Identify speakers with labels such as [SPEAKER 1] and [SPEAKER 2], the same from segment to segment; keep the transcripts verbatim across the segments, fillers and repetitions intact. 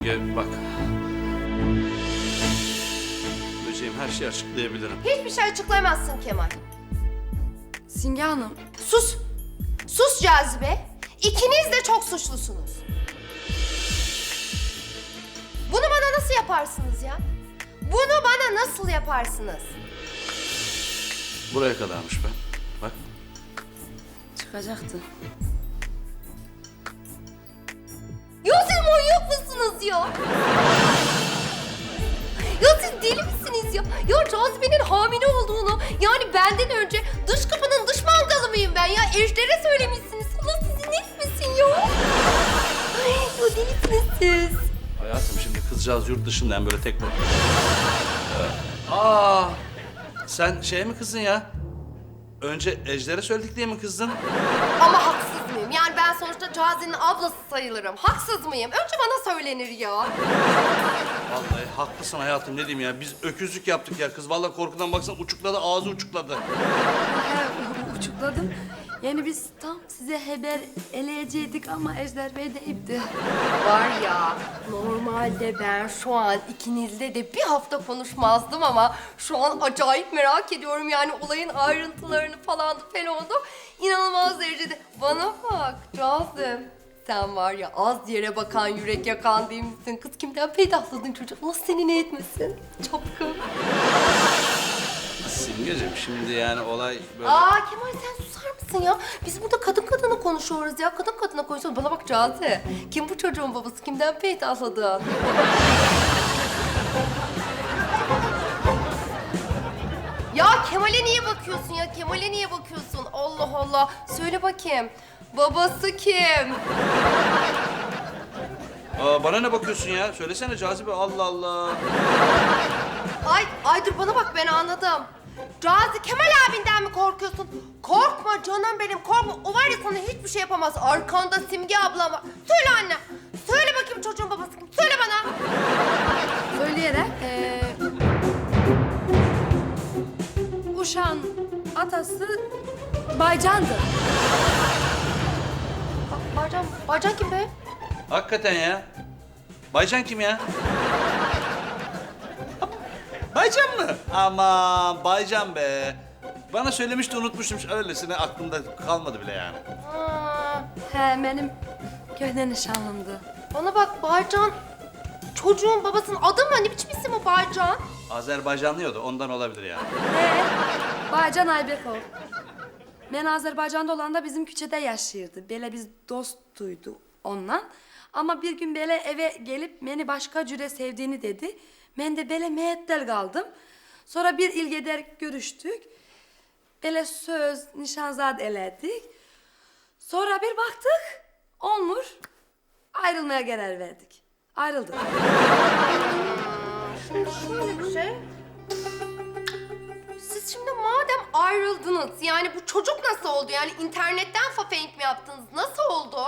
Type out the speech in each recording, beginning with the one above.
[SPEAKER 1] Gel bak. Böceğim her şeyi açıklayabilirim.
[SPEAKER 2] Hiçbir şey açıklayamazsın Kemal.
[SPEAKER 3] Simge Hanım,
[SPEAKER 2] Sus. Sus Cazibe. İkiniz de çok suçlusunuz. Bunu bana nasıl yaparsınız ya? Bunu bana nasıl yaparsınız?
[SPEAKER 1] Buraya kadarmış be. Bak.
[SPEAKER 3] çıkacaktı.
[SPEAKER 2] Ya siz manyak mısınız ya? Ya siz deli misiniz ya? Ya Cazibe'nin hamile olduğunu, yani benden önce dış kapının dış mangalı mıyım ben ya? Ejder'e söylemişsiniz. Allah sizi ne etmesin ya? Ay, ya delisiniz siz.
[SPEAKER 1] Hayatım şimdi kızcağız yurt dışından böyle tek... Ee, Aa, sen şeye mi kızdın ya? Önce Ejder'e söyledik diye mi kızdın?
[SPEAKER 2] Ama haksız mıyım? Yani ben sonuçta Cazibe'nin ablası sayılırım. Haksız mıyım? Önce bana söylenir ya.
[SPEAKER 1] Vallahi haklısın hayatım, ne diyeyim ya. Biz öküzlük yaptık ya. Kız vallahi korkudan baksana uçukladı, ağzı uçukladı.
[SPEAKER 3] He, u- uçukladım. Yani biz tam size haber eleyecektik ama Ejder Bey de ipti.
[SPEAKER 2] Var ya, normalde ben şu an ikinizle de bir hafta konuşmazdım ama şu an acayip merak ediyorum yani olayın ayrıntılarını falan falan da inanılmaz derecede. Bana bak Cazım, sen var ya az yere bakan yürek yakan değil misin? Kız kimden peydahladın çocuk? Allah seni ne etmesin? Çapkın.
[SPEAKER 1] Simgeciğim şimdi yani olay böyle...
[SPEAKER 2] Aa Kemal sen susar mısın ya? Biz burada kadın kadına konuşuyoruz ya. Kadın kadına konuşuyoruz. Bana bak Cazi. Kim bu çocuğun babası? Kimden peydahladın? Ya Kemal'e niye bakıyorsun ya? Kemal'e niye bakıyorsun? Allah Allah. Söyle bakayım. Babası kim?
[SPEAKER 1] Aa, bana ne bakıyorsun ya? Söylesene Cazibe, Allah Allah.
[SPEAKER 2] Ay, ay dur bana bak ben anladım. Cazi Kemal abinden mi korkuyorsun? Korkma canım benim korkma. O var ya sana hiçbir şey yapamaz. Arkanda Simge ablam var. Söyle anne. Söyle bakayım çocuğun babası kim? Söyle bana.
[SPEAKER 3] Söyleyerek eee Uşak'ın atası Baycan'dı.
[SPEAKER 2] Ba- Barcan, Barcan kim be?
[SPEAKER 1] Hakikaten ya. Baycan kim ya? Baycan mı? Aman Baycan be. Bana söylemişti, unutmuştum. Öylesine aklımda kalmadı bile yani.
[SPEAKER 2] Aa,
[SPEAKER 3] He, benim köhne nişanlımdı.
[SPEAKER 2] bana bak Barcan. Çocuğun babasının adı mı? Ne biçim isim o Barcan?
[SPEAKER 1] Azerbaycanlıyordu, ondan olabilir yani.
[SPEAKER 3] He, Baycan Aybekov. Ben Azerbaycan'da olanda bizim küçede yaşıyordu. Böyle biz dostuydu onunla. Ama bir gün böyle eve gelip beni başka cüre sevdiğini dedi. Ben de böyle meettel kaldım. Sonra bir il gider görüştük. Böyle söz, nişanzad eledik. Sonra bir baktık, olmuş. Ayrılmaya karar verdik. Ayrıldık.
[SPEAKER 2] Şimdi şöyle bir şey. Siz şimdi madem ayrıldınız, yani bu çocuk nasıl oldu? Yani internetten fafenk mi yaptınız? Nasıl oldu?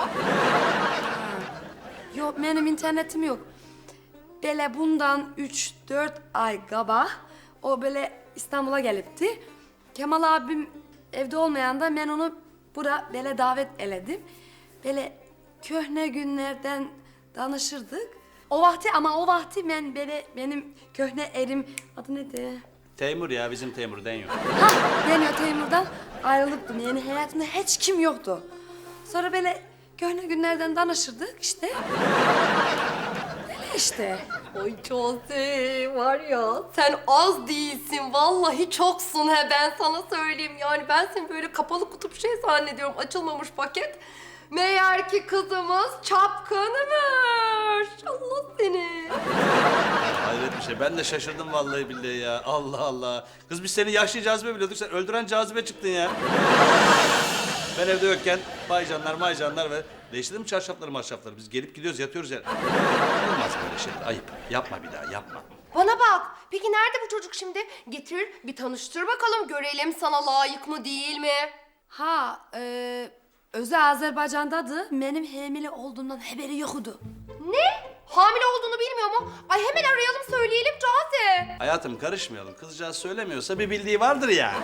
[SPEAKER 3] Yok, benim internetim yok. Böyle bundan üç dört ay kaba o böyle İstanbul'a gelipti. Kemal abim evde olmayanda ben onu bura böyle davet eledim. Böyle köhne günlerden danışırdık. O vakti ama o vakti ben böyle benim köhne erim adı neydi?
[SPEAKER 1] Teymur ya, bizim Teymur deniyor.
[SPEAKER 3] Ha, deniyor Teymur'dan ayrılıktım. Yani hayatımda hiç kim yoktu. Sonra böyle köhne günlerden danışırdık işte. Öyle işte.
[SPEAKER 2] Ay Jose var ya sen az değilsin. Vallahi çoksun he ben sana söyleyeyim. Yani ben seni böyle kapalı kutup şey zannediyorum. Açılmamış paket. Meğer ki kızımız çapkınmış. Allah seni.
[SPEAKER 1] Hayret bir şey. Ben de şaşırdım vallahi billahi ya. Allah Allah. Kız biz seni yaşlı Cazibe biliyorduk. Sen öldüren Cazibe çıktın ya. Ben evde yokken baycanlar maycanlar ve değiştirdim mi çarşafları marşafları? Biz gelip gidiyoruz, yatıyoruz yani. Olmaz böyle şeyler. Ayıp. Yapma bir daha, yapma.
[SPEAKER 2] Bana bak. Peki nerede bu çocuk şimdi? Getir bir tanıştır bakalım. Görelim sana layık mı değil mi?
[SPEAKER 3] Ha, e, Özü Azerbaycan'dadı. Benim hamile olduğumdan haberi yoktu.
[SPEAKER 2] Ne? Hamile olduğunu bilmiyor mu? Ay hemen arayalım söyleyelim Cazi.
[SPEAKER 1] Hayatım karışmayalım. Kızcağız söylemiyorsa bir bildiği vardır yani.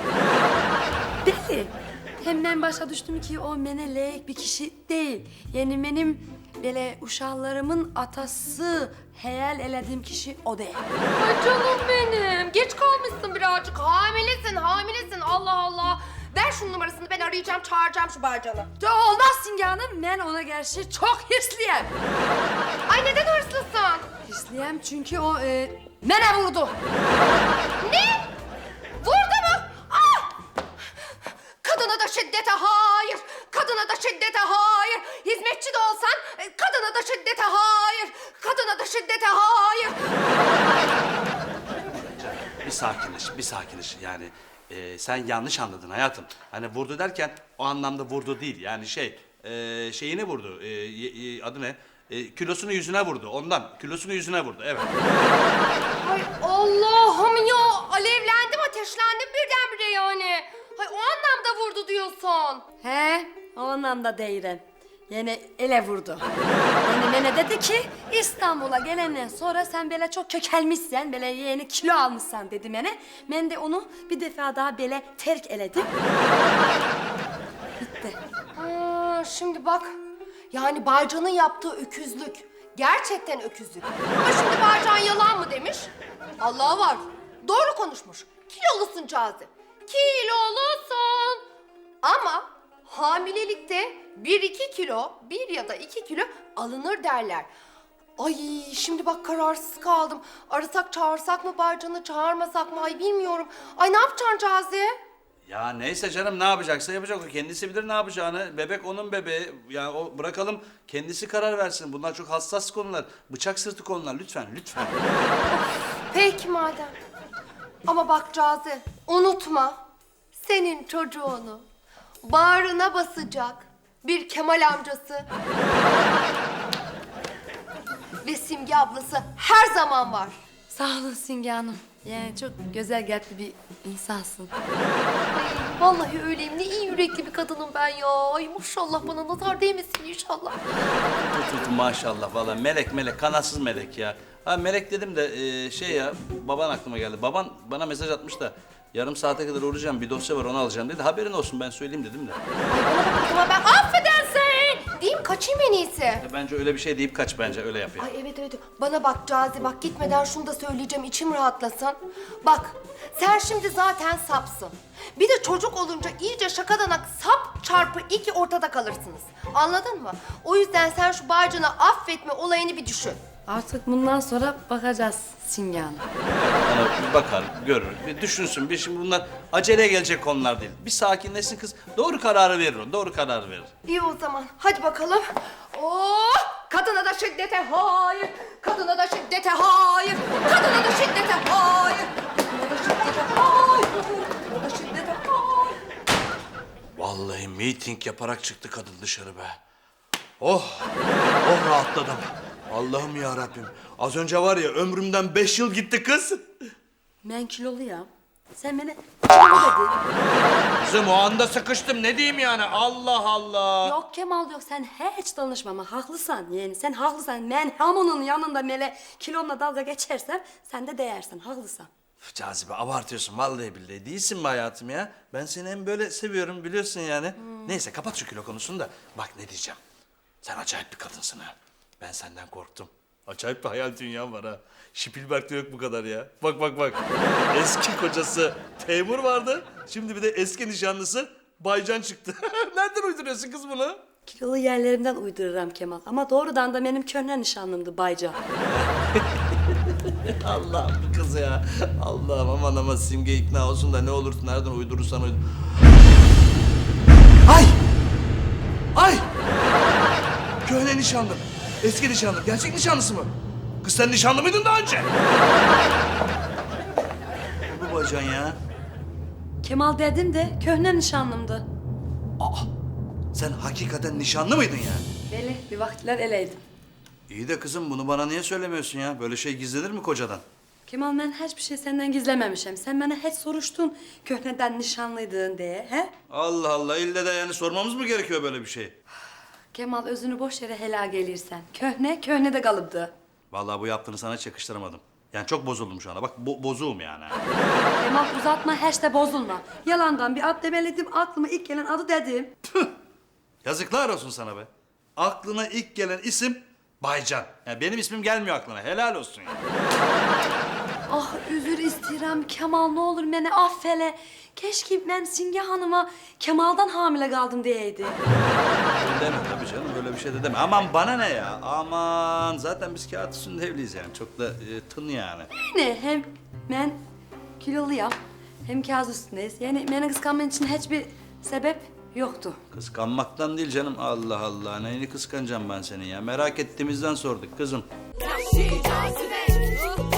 [SPEAKER 3] Belli. Hem ben başa düştüm ki o bana layık bir kişi değil. Yani benim böyle uşaklarımın atası hayal elediğim kişi o değil.
[SPEAKER 2] Ay canım benim. Geç kalmışsın birazcık. Hamilesin, hamilesin. Allah Allah. Ver şunun numarasını, ben arayacağım, çağıracağım şu Barcan'ı.
[SPEAKER 3] De olmaz Simge Hanım, ben ona karşı çok hırslıyım.
[SPEAKER 2] Ay neden hırslısın?
[SPEAKER 3] Hırslıyım çünkü o e, bana vurdu.
[SPEAKER 2] Ne? Vurdu mu? Ah! Kadına da şiddete hayır. Kadına da şiddete hayır. Hizmetçi de olsan e, kadına da şiddete hayır. Kadına da şiddete hayır.
[SPEAKER 1] Bir sakinleş, bir sakinleş. Yani e, sen yanlış anladın hayatım. Hani vurdu derken o anlamda vurdu değil. Yani şey, e, şeyini vurdu. E, y- y- adı ne? E, kilosunu yüzüne vurdu. Ondan kilosunu yüzüne vurdu. Evet.
[SPEAKER 2] Ay Allah'ım ya. Alevlendim, ateşlendim birdenbire yani. Hay o anlamda vurdu diyorsun.
[SPEAKER 3] He, o anlamda değilim. Yani ele vurdu. Yani bana dedi ki İstanbul'a gelenden sonra sen böyle çok kökelmişsen, böyle yeni kilo almışsan dedi bana. Ben de onu bir defa daha böyle terk eledim. Bitti.
[SPEAKER 2] Ha, şimdi bak. Yani Barcan'ın yaptığı öküzlük. Gerçekten öküzlük. Ama şimdi Barcan yalan mı demiş? Allah var. Doğru konuşmuş. Kilolusun Cazi. Kilolusun. Ama hamilelikte bir iki kilo, bir ya da iki kilo alınır derler. Ay şimdi bak kararsız kaldım. Arasak çağırsak mı Barcan'ı, çağırmasak mı? Ay bilmiyorum. Ay ne yapacaksın Cazi?
[SPEAKER 1] Ya neyse canım, ne yapacaksa yapacak. O kendisi bilir ne yapacağını. Bebek onun bebeği. Ya o bırakalım kendisi karar versin. Bunlar çok hassas konular. Bıçak sırtı konular. Lütfen, lütfen.
[SPEAKER 2] Peki madem. Ama bak Cazi, unutma. Senin çocuğunu bağrına basacak bir Kemal amcası ve Simge ablası her zaman var.
[SPEAKER 3] Sağ olun Simge Hanım. Yani çok güzel kalpli bir insansın.
[SPEAKER 2] Ay, vallahi öyleyim. Ne iyi yürekli bir kadınım ben ya. Ay maşallah, bana nazar değmesin inşallah.
[SPEAKER 1] Tut tut maşallah vallahi melek melek, kanatsız melek ya. Ha melek dedim de e, şey ya, baban aklıma geldi. Baban bana mesaj atmış da yarım saate kadar uğrayacağım, bir dosya var onu alacağım dedi. Haberin olsun, ben söyleyeyim dedim de.
[SPEAKER 2] Ay bana bak o zaman, ben affedersin diyeyim kaçayım en iyisi.
[SPEAKER 1] E, bence öyle bir şey deyip kaç, bence öyle yap ya.
[SPEAKER 2] Ay evet evet. Bana bak Cazi, bak gitmeden şunu da söyleyeceğim, içim rahatlasın. Bak sen şimdi zaten sapsın. Bir de çocuk olunca iyice şakadanak sap çarpı iki ortada kalırsınız. Anladın mı? O yüzden sen şu Barcan'ı affetme olayını bir düşün.
[SPEAKER 3] Artık bundan sonra bakacağız Simge Hanım.
[SPEAKER 1] Bana bir bakar, görür, bir düşünsün. Bir şimdi bunlar aceleye gelecek konular değil. Bir sakinleşsin kız. Doğru kararı verir o, doğru kararı verir.
[SPEAKER 2] İyi o zaman. Hadi bakalım. Oh! Kadına da şiddete hayır. Kadına da şiddete hayır. Kadına da şiddete hayır. Kadına da şiddete hayır. Kadına da şiddete hayır.
[SPEAKER 1] Vallahi miting yaparak çıktı kadın dışarı be. Oh, oh rahatladım. Allah'ım ya Rabbim. Az önce var ya, ömrümden beş yıl gitti kız.
[SPEAKER 3] Ben kilolu ya. Sen bana kilolu dedin.
[SPEAKER 1] Kızım o anda sıkıştım, ne diyeyim yani, Allah Allah.
[SPEAKER 3] Yok Kemal yok, sen hiç danışmama, haklısın yani, sen haklısın. Ben hamunun yanında böyle kilonla dalga geçersem sen de değersin, haklısın.
[SPEAKER 1] Üf, Cazibe abartıyorsun vallahi billahi, değilsin mi hayatım ya? Ben seni hem böyle seviyorum biliyorsun yani. Neyse kapat şu kilo konusunu da bak ne diyeceğim. Sen acayip bir kadınsın ha. Ben senden korktum. Acayip bir hayal dünyam var ha. Spielberg'de yok bu kadar ya. Bak bak bak. Eski kocası Teymur vardı. Şimdi bir de eski nişanlısı Baycan çıktı. Nereden uyduruyorsun kız bunu?
[SPEAKER 3] Kilolu yerlerimden uydururum Kemal ama doğrudan da benim köhne nişanlımdı Bayca.
[SPEAKER 1] Allah'ım bu kız ya. Allah'ım aman aman, Simge ikna olsun da ne olursun, nereden uydurursan uydur. Ay! Ay! Köhne nişanlım. Eski nişanlım. Gerçek nişanlısı mı? Kız sen nişanlı mıydın daha önce? Bu bacan ya.
[SPEAKER 3] Kemal dedim de köhne nişanlımdı.
[SPEAKER 1] Aa! Sen hakikaten nişanlı mıydın yani?
[SPEAKER 3] Beli bir vakitler eleydim.
[SPEAKER 1] İyi de kızım bunu bana niye söylemiyorsun ya? Böyle şey gizlenir mi kocadan?
[SPEAKER 3] Kemal ben hiçbir şey senden gizlememişim. Sen bana hiç soruştun köhneden nişanlıydın diye. He?
[SPEAKER 1] Allah Allah, ille de yani sormamız mı gerekiyor böyle bir şey?
[SPEAKER 3] Kemal özünü boş yere helal gelirsen. Köhne köhne de kalıptı.
[SPEAKER 1] Vallahi bu yaptığını sana hiç yakıştıramadım. Yani çok bozuldum şu anda. Bak bo bozuğum yani.
[SPEAKER 3] Kemal uzatma hiç de bozulma. Yalandan bir ad demeledim, aklıma ilk gelen adı dedim.
[SPEAKER 1] Yazıklar olsun sana be. aklına ilk gelen isim Baycan. Yani benim ismim gelmiyor aklına. Helal olsun ya.
[SPEAKER 3] Ah özür isterim Kemal, ne olur beni affele. Keşke ben Simge Hanım'a Kemal'dan hamile kaldım diyeydi.
[SPEAKER 1] Öyle deme tabii canım, öyle bir şey de deme. Aman bana ne ya, aman. Zaten biz kağıt üstünde evliyiz yani. Çok da e, tın yani.
[SPEAKER 3] Ne hem ben kiloluyum hem kağıt üstündeyiz. Yani beni kıskanman için hiçbir sebep yoktu.
[SPEAKER 1] Kıskanmaktan değil canım, Allah Allah. Neyini kıskanacağım ben senin ya? Merak ettiğimizden sorduk kızım.
[SPEAKER 4] Yahşi cazibe